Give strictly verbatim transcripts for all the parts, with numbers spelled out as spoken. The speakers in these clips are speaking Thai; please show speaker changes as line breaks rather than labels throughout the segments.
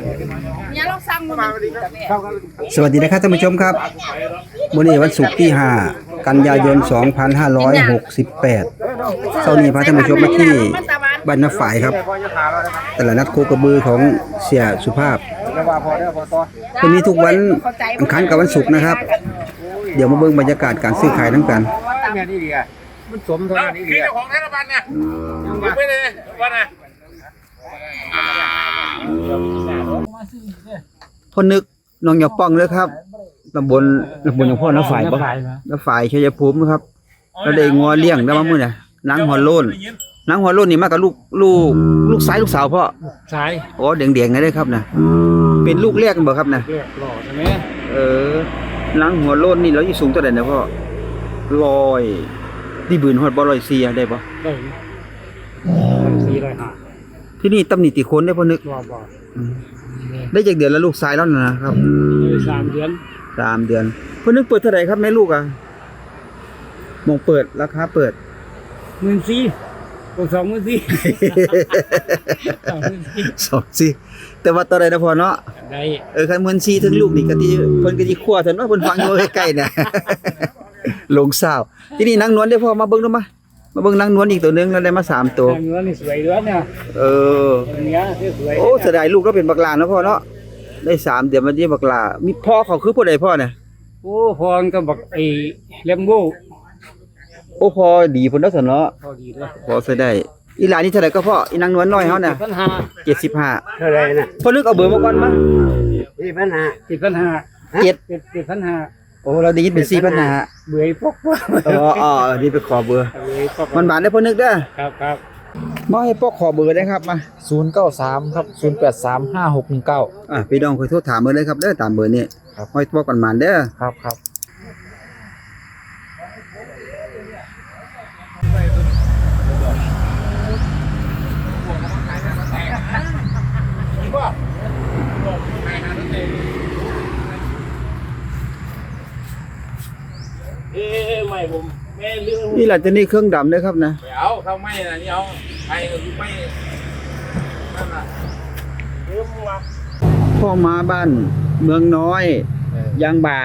เนี่ยเราสั่งมา
สวัสดีนะครับท่านผู้ชมครับวันนี้วันศุกร์ที่ห้ากันยายนสองพันห้าร้อยหกสิบแปดเช้านี้พาท่านผู้ชมมาที่บ้านนาฝ่ายครับตลาดนัดโคกระบือของเสียสุภาพวันนี้ทุกวันอังคารกับวันศุกร์นะครับเดี๋ยวมาเบิ่งบรรยากาศการซื้อขายทั้งกัน
มันสมเท่านั้นนี่เจ้าของธนาคารเนี่ยไม่ได้ว่านะ
พ่อนึกน้องหยอกป้องเลยครับตำบลตำบลหยองพ่อน้าฝ่ายบ่น้าฝ่ายชัยภูมิครับแล้วได้งัวเลี้ยงได้มามื้อน่ะนางหัวโล้นนางหัวโล้นนี่มากับลูกลูกลูกชายลูกสาวพ่อ
ชาย
อ๋อแดงๆนั่นเด้อครับน่ะเป็นลูกแรกกันบ่ครับน่ะ
หล่อใช่ไหม
เออนางหัวโล้นนี่เราอยู่สูงเท่าใดนะพ่อร้อยที่บืนฮอดบ่ร้อยสี่ได้บ่
ได้สี่ร้อยห้า
ที่นี่ตำหนิติคนได้พ่อนึก
บ่บ่
ได้จากเดือนแล้วลูกชายแล้วนะครับ
สามเดือน
สามเดือนพ่อนึกเปิดเท่าไหร่ครับแม่ลูกอ่ะมองเปิดราคาเปิด
หมื่นสี่ตัวสองหมื่นสี่
สองสี่แต่ว่าตอนใดนะพ่อเนาะ
ได้
เออคันหมื่นสี่ถึงลูกนี่ก็ที่เพิ่นก็สิคั่วซั่นว่าเพิ่นฟังอยู่ใกล้ๆน่ะลงสาวที่นี่นางนวลได้พ่อมาเบิ่งดูมามาเบิ่งนางนวลอีกตัวนึงแล้วได้มาสามตัวน
างนวลนี่สวยด้วยเนี่ย
เออ
เนี้ยสวย
โอ้เสียดายลูกเราเป็นบักหลาเนาะพ่อเนาะได้สามเดือนมันสิบักหลามีพ่อเขาคือผู้ใดพ่อเนี่ย
โอ้พรก็บักไอ้เลมโบ
โอ้พ่อดีพุ่นเนาะซั่นเนาะ
พอดีเด้อ
พอใส่ได้อีหลานนี่เท่าไหร่ก็พ่ออีนางนวลน้อยเฮาน่ะเจ็ดสิบห้า
เท่าไหร่น่ะ
พ่อนึกเอาเบอร์มาก่อนมา
สี่พันห้า สี่พันห้า
เจ็ด
เจ็ดพันห้า
โอ้เราได้ยินเป็นสี่พันห้า
เบื่อพวก
อ๋ออ๋อนี่ไปขอเบอร์มันบานได้พ่อนึกเด้อ
ครับครับ
มาให้พ่อขอเบอร์ได้ครับมา
ศูนย์เก้าสามครับศูนย์แปดสามห้าหกหนึ่งเก้า
อ่ะพี่น้องค่อยโทรถามเบอร์เลยครับเด้อตามเบอร์นี้
ครับ
ห้อยพ่อก่อนมานเด้อ
ครับครับ
เอ๊ะไม่ผมแม่เรื่อง
นี่แหละจะนี่เครื่องดำด้วยครับนะ
เอาเขาไม่นะนี่เอาไม่ไม่นั่นน่ะเรื่องมา
พ่อมาบ้านเมืองน้อยยางบ่า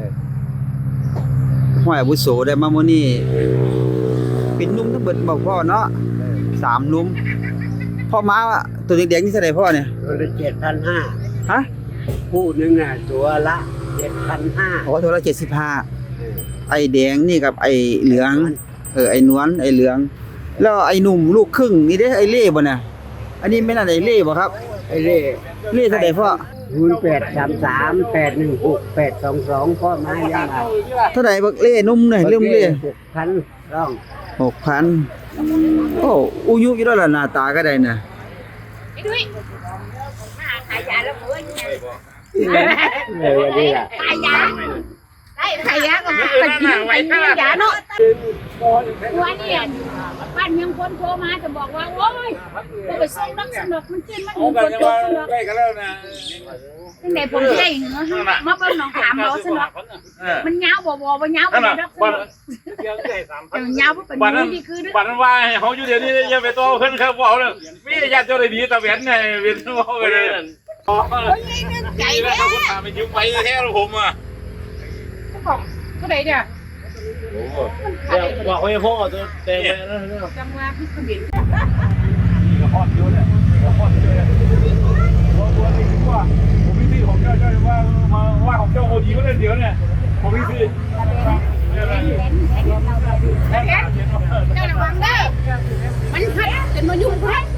ห้อยอาวุโสได้มามื้อนี้เป็นนุ่มทั้งเบิดบอกพ่อเนาะสามนุ่มพ่อมาตัวแดงๆนี่เท่าไหร่พ่อเนี่ย
ตัวละเจ็ดพันห้า
ฮะ
คู่นึงอ่ะตัวละเจ็ดพันห้า
อ๋อตัวละเจ็ดสิบห้าไอ้แดงนี่กับไอ้เหลืองเออไอ้นวลไอ้เหลืองแล้วไอ้หนุ่มลูกครึ่งนี่เด้ไอ้เล่บ่น่ะอันนี้ไม่น่าไอ้เล่บ่ครับ
ไอ้เล่
เล่เท่าไหร่พ่อ
ศูนย์แปดสามสามแปดหนึ่งหกแปดสองสองพ่อมายังไง
เท่าไหร่บักเล่นุ่มหน่อยเริ่มเล่
หกพันร่อง
หกพันโอ้อุยุอยู่แล้วล่ะหน้าตาก็ได้น่ะ
ไอ้ดุ้ยมาขายยาแล้วเว้ย
เออนี่ล่ะ
ขายยาได้ขายยาก็ไปกินไปกินยาเนาะวันนี้บ้านยังคนโทรมาจะบอกว่าโอ้ยไปส่งนักสนุกมันกินมันคนโทรสนุก
ใกล้กันแล้วนะ
ตั้งแต่ผมได้เหรอมาเป็นน้องถามเราสนุกมันเงาบ่บ่บ่เงาบ่ได้รักสนุกแต่เงาบ่เป็นนี่คือ
บ้านว่าเขาอยู่เดี๋ยวนี้อย่าไปโตขึ้นครับบอกเลยมีญาติเจ้าได้ดีตะเวนไงเวียนหัวเลย
โอ้ยใจแท้
ไปยิ้มไปแท้ผมอ่ะ
ก็ได้เนี่ย
บอกให้พ่อตัวเต็มเลยนะ
จังหวะพี่ขมิ้น
ฮอดเยอะเลยฮอดเยอะเลยว่าว่านี่คือว่าผมพี่พี่ของเจ้าเจ้าว่ามาว่าของเจ้าโอดีก็ได้เดี๋ยวเนี่ยผมพี่พี่
เจ้าระวังเด้อมันพัดจนมายุ่งพัด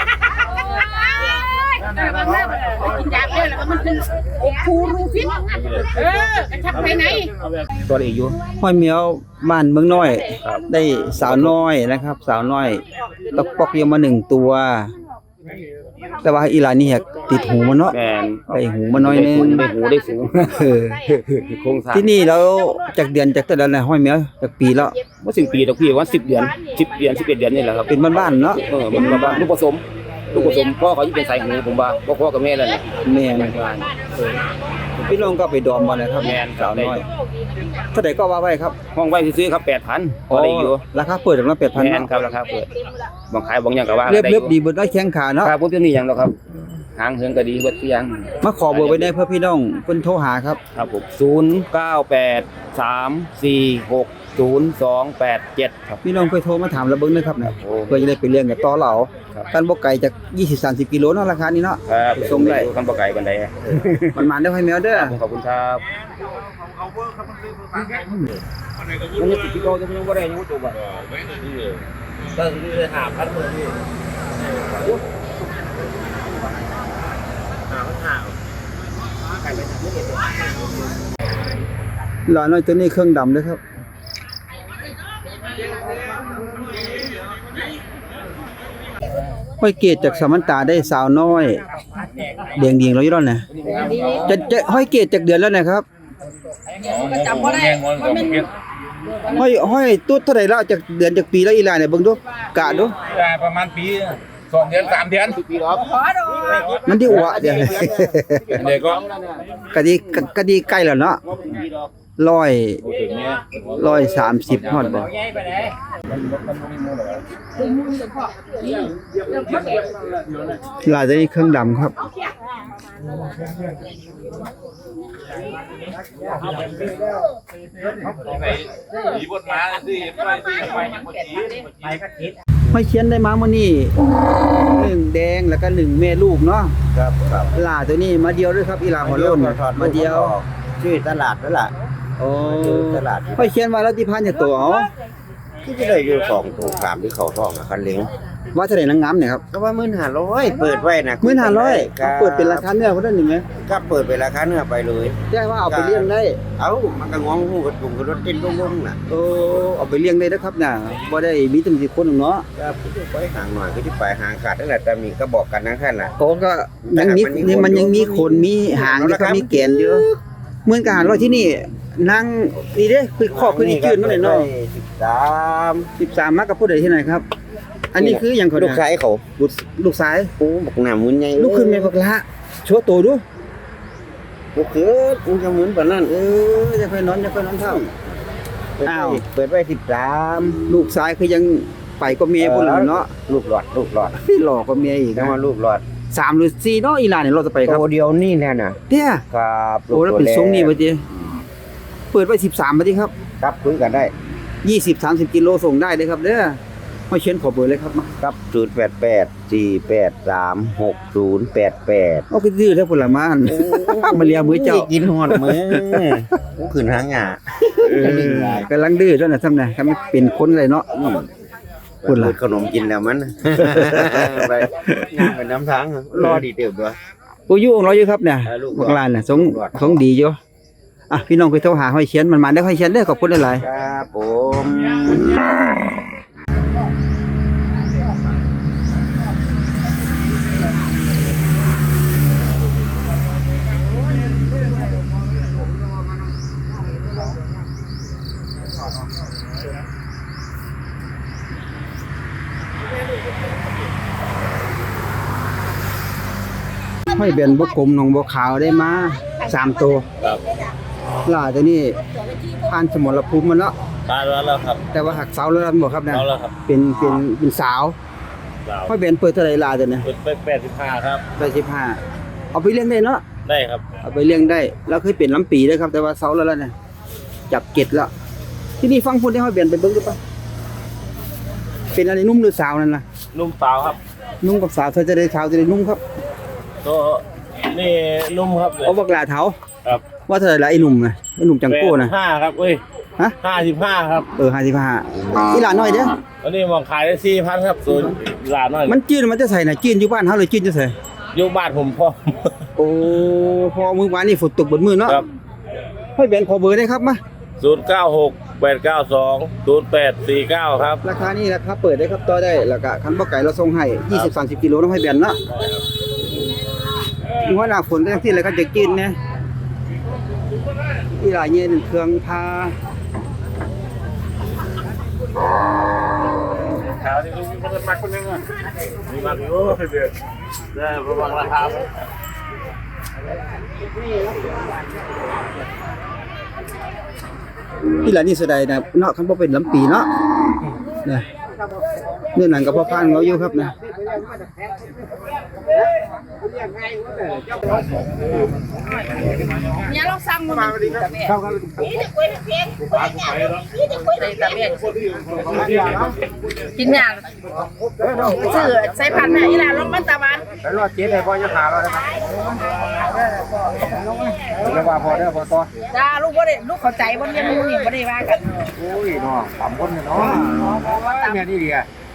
ระวังเด้อกินยาเยอะแล้วมันคือโอ้คูรูฟิตเออกระชับภายใน
ตัวเอกอยู่ห้อยเหมียวบ้านเมืองน้อยได้สาวน้อยนะครับสาวน้อยตกปอกเดียวมาหนึ่งตัวแต่ว่าอีหลานนี่ติดหูมันเนาะได้หูมันน้อยนึง
ได้หูได้สูงโครงสร้าง
ที่นี่แล้วจากเดือนจากแต่ละห้อยเหมียวจากปีแล้ว
ว่าสิบปีตะพี่ว่าสิบเดือนสิบเดือนสิบเอ็ดเดือนนี่แหละครับ
เป็นบ้านๆเนาะ
เออเป็นบ้านลูกผสมลูกผสมพ่อเขาที่เป็นสายหูผมว่าพ่อกับแม่เลย
แม่พี่น้องก็ไปดอมมาเลยครับ
แม่สาวน้อย
เท่าไหร่ก็ว่าไว้ครับ
ห้องไว้ซื้อครับแปดพันอะไรอยู่
ราคาเปิดถึงละแปดพัน
แม่ครับราคาเปิดบางขายบางอย่างก็ว่า
เรียบเรียบดีบนได้แข้งขาเนาะ
ครับพวกที่นี่อย่างเราครับ
หางเหิงก็ดีเบิดทุกอย่าง
มาขอเบอร์ไว้ได้เพื่อพี่น้องเพิ่นโทรหาครับ
ครับผมศูนย์เก้าแปดสามสี่หกศูนย์สองแปดเจ็ดครับ
พี่น้องเคยโทรมาถามเราเบิ่งนะครับนะ
โอ้
เพื่อจะได้ไปเลี้ยงกับต่อเหล่า
ครับ
กันบ่ไกลจากยี่สิบ สามสิบกิโลเนาะราคานี้เนาะ
ครับ
ส่งได้
คันบ่ไกลปานใด
มันมาได้ให้แมวเด้อ
ขอบคุณครับมันจะติดที่โตจะยังบ่ได้ยังบ่จบอ่ะก็คือหาพันมื้อนี่หาพันหา
หลานน้อยตัวนี้เครื่องดำเด้อครับห้อยเกตจากสามันตาได้สาวน้อยเดียงเดียงๆเราอยู่แล้วนะจะจะห้อยเกตจากเดือนแล้วนะครับ
จำบ่ได้มันเป็น
ห้อยห้อยตุ๊ดเท่าไหร่แล้วจากเดือนจากปีแล้วอีหลานเนี่ยเบิ่งดูกะดู
ประมาณปีสองเดือนสามเดือนปีหรอ
มันที่อัวเดี๋ยว
เด็กก็
กะดีกะดีใกล้แล้วเนาะร้อยร้อยสามสิบฮอดบ่หลายตัวนี้เครื่องดำครับ
ผีบนม้าสิไปสิไปยังบ่จีไปก็คิด
ห้อยเขียนได้มามื้อนี้หนึ่งแดงแล้วก็หนึ่งแม่ลูกเนาะ
ครับครับ
หลาตัวนี้มาเดียวด้วยครับอีหลาหัวโล้นมาเดียว
ชื่อตลาดนั่นแหละ
โอ้
ตลาด
ห้อยเขียนว่าแล้วที่พันจากตัวเอา
ที่จะได้อยู่สองตัวสามที่เขาท้องอะคันเล้ง
ว่าเท่าไหร่นางงามเนี่ยครับ
ก็ว่าหมื่นห้าร้อยเปิดไว้นะ
หนึ่งพันห้าร้อย
ครับ
เปิดเป็นราคาเนื้อเขาได้หนึ่งไหม
ก็เปิดเป็นราคาเนื้อไปเลย
แจ้งว่าเอาไปเลี้ยงได้
เอ้ามันก็งองหูกระตุงกระรถเต้นลงๆน่ะ
โอ้เอาไปเลี้ยงได้นะครับน่ะบ่ได้มีตั้งสิบคนหรอกเนาะ
ก็ไปห่างหน่อยก็ที่ไปห่างขาดนั่นแหละแต่มีก็บอกกันนะท่านน่ะ
โอ้ก็ยังมีนี่มันยังมีขนมีหางแล้วก็มีแกนเยอะเหมือนกับหารร้อยที่นี่นั่งนี่เด้คือครอบคือนี่จืดมาเลยเนาะ
สิบสาม
สิบสามมักกับผู้ใดที่ไหนครับ อันนี้คือหยังเขา
ลู
เนี่ย
กชายเขา
ลูกลูกสาย
โอ้บอกหน้ามุนใหญ่
ลูกขึ้นแม่บักละโชว์ตัวดู
ลูกคือมึงจะเหมือนปานนั้น
เอออย่าค่อยนอนอย่าค่อยนอนเท่า
เปิดไว้
อ้าว
เปิดไว้สิบสาม
ลูกสายคือยังไปก็เมียพุ่นแหล้วเนาะ
ลูกหลอดลูกหลอด
พี่หลอกก็เมียอีก
แล้
นะ
วมาลูกหลอด
สามหรือสี่เนาะอีหลานเนี่ยเราจะไปครับ
ตัวเดียวนี่แน่น่ะ
เนี่ย
ครับ
โอ้แล้วเป็นทรงนี่บ่ติเปิดไว้สิบสามบ่ติครับ
ครับคุยกันได้
ยี่สิบ สามสิบกิโลส่งได้เด้อครับเด้อห้อยเชียนขอเบอร์เลยครับมา
ครับศูนย์แปดแปดสี่แปดสามหกศูนย์แปดแปด
เอาไปดื้อเด้อพุ่นละมานมาเลียมือเจ้า
กินหอดมือกูขึ้นหางหงา
เออกำลังดื้อเท่านั้นซ้ำนะถ้าไม่เป็นคนเลยเนาะ
อืม
พูดล่ะ
เปิขนมกินแล้วมัน ไปงานเป็นน้ำทางรอดีเติบด้วย
กูอยู่ของเราอยู่ครับเนี่ย
เออลูก
พวกหลานน่ะสง
ลูกหลาน
สงดีอยู่อ่ะพี่น้องไปโทรหาห้อยเชียนมันมาได้อห้อยเชียนเด้อขอบคุณหลาย
ครับผม
ๆห้อยเบนบกกลมหนองบัวขาวได้มาสามตัว
ครับ
หล่าตัวนี้ผ่านสมรภูมิมันแล้ว
ตายแล้วครับ
แต่ว่าหักเสาแล้วนั่นบ่ครับนะ
เอาแล้วครับ
เป็นเป็นเป็นสาวห้อยเบนเปิดเท่าไหร่ลาตัวเนี่ย
เป็นแปดสิบห้าครับ
แปดสิบห้าเอาไปเลี้ยงได้เนาะ
ได้ครับ
เอาไปเลี้ยงได้แล้วเคยเป็นลำปีด้วยครับแต่ว่าเสาแล้วแล้วเนี่ยจับเก็ดแล้ว ที่นี่ฟังพูดได้ห้อยเบนไปเบิ่งดูป่ะเป็นอะไรนุ่มหรือสาวนั่นล่ะ
นุ่มสาวครับ
นุ่มกับสาวเธอจะได้สาวจะได้นุ่มครับ
ตัวนี่นุ่มครับ
เอาบักหลาเถา
ครับ
ว่าเท่าไหร่ละไอ้หนุ่มนะไอ้หนุ่มจังโก้นะ
ห้าครับเอ้ย
ฮะ
ห้าสิบห้าครับ
เออห้าสิบห้าอีหลานน้อยเด้อ
อันนี้มองขายได้สี่พันครับส่วนหลานน้อย
มันจืดมันจะใส่น่ะจืดอยู่บ้านเฮาเลยจืดจะใส่
อยู่บ้านผมพ่อ
โอ้พอมื้อวานนี่ฝนตกเบนมือเนาะ
ครับ
ห้อยเบนขอเบอร์ได้ครับมา
ศูนย์เก้าหกแปดเก้าสองศูนย์แปดสี่เก้าครับ
ราคานี้ราคาเปิดได้ครับต่อได้แล้วก็คันบ่ไก่เราส่งให้ยี่สิบ สามสิบกิโลต้องให้เบนเนาะหัวหน้าฝนก็จังซี่แหละครับจะกินนะอีหลายเนี่ยเครื่องพา
ขาวที่มีคนมาคนนึงอ่ะมีมาอยู่เดือดได้ประมาณราคา
อีหลายนี่เสียดายนะเนาะคันบ่เป็นลำปีเนาะเนี่ยเนี่ยหนังกับพ่อพานเราอยู่ครับนะ
เนี่ยเราสั่งมานี่จะคุยเพียงนี่จะคุยแต่เพียงกินยาซื้อใส่พันธุ์นี่ล่ะลงมันตะวัน
แล้วรอดเจ๊ได้บ่จะหาเราได้มั้ยเดี๋ยวว่าพอเด้อพอต่อ
จ้าลูกบ่ได้ลูกเข้าใจบ่เรียนรู้นี่บ่ได้ว่ากัน
โอ้ยน้องสามคนเนาะแม่นี่ดีอ่ะ